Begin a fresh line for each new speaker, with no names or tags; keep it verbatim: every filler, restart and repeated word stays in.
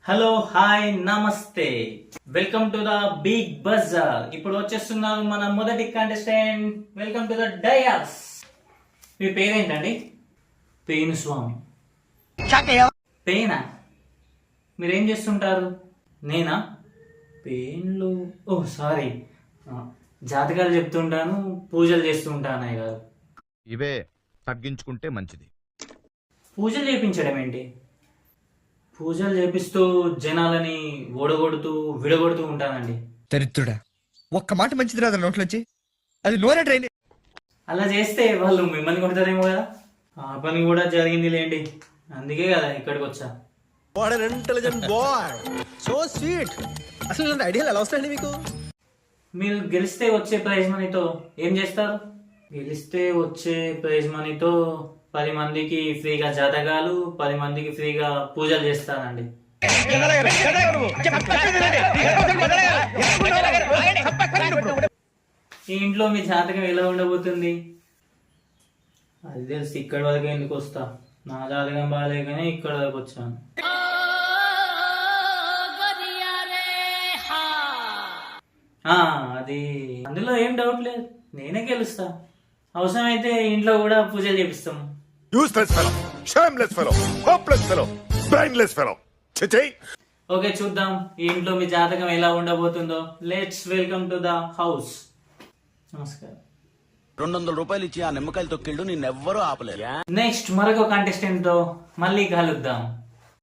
Hello hi నమస్తే, welcome to the Big Bazaar. ఇప్పుడు వచ్చేస్తున్నారు మన మొదటి contestant. Welcome to the dais. మీ పేరేంటండి? పేను స్వామి. పేనా? మీరేం చేస్తుంటారు? నేనా? పేన్లు, ఓ సారీ, జాతకాలు చెప్తుంటాను, పూజలు చేస్తూ ఉంటాను. అయ్య గారు,
ఇవే తగ్గించుకుంటే మంచిది.
పూజలు చేయించడం ఏంటి? పూజలు చేపిస్తూ జనాలని ఓడగొడుతూ విడగొడుతూ ఉంటానండి.
దరిద్రుడా, ఒక్క మాట మంచిది రాదు నోట్లోంచి. అది నోరే ట్రైన్.
అలా చేస్తే వాళ్ళు మిమ్మల్ని కొడతారేమో కదా. ఆ పని కూడా జరిగింది లేండి, అందుకే కదా ఇక్కడికి వచ్చా.
Intelligent boy, so sweet. అసలు ఇలాంటి ఐడియాలు ఎలా వస్తాయండి మీకు?
మీరు గెలిస్తే వచ్చే ప్రైజ్ మనీతో ఏం చేస్తారు? గెలిస్తే వచ్చే ప్రైజ్ మనీతో పది మందికి ఫ్రీగా జాతకాలు, పది మందికి ఫ్రీగా పూజలు చేస్తానండి. ఈ ఇంట్లో మీ జాతకం ఎలా ఉండబోతుంది? అది తెలిసి ఇక్కడి వరకు ఎందుకు వస్తా? నా జాతకం బాగాలేకనే ఇక్కడ వరకు వచ్చాను. అది అందులో ఏం డౌట్ లేదు, నేనే గెలుస్తా. అవసరమైతే ఇంట్లో కూడా పూజలు చేపిస్తాం.
Useless fellow, shameless fellow, hopeless fellow, brainless fellow. Chichi.
Okay, చూద్దాం ఈ ఇంట్లో మీ జాతకం ఎలా ఉండబోతుందో. Let's welcome to the house. నమస్కారం.
రెండు వందల రూపాయలు ఇచ్చి ఆ నిమ్మకాయలు తొక్కిళ్ళు నిన్నెవ్వరూ ఆపలేరు.
నెక్స్ట్ మరొక కంటెస్టెంట్ తో మళ్ళీ కలుద్దాం.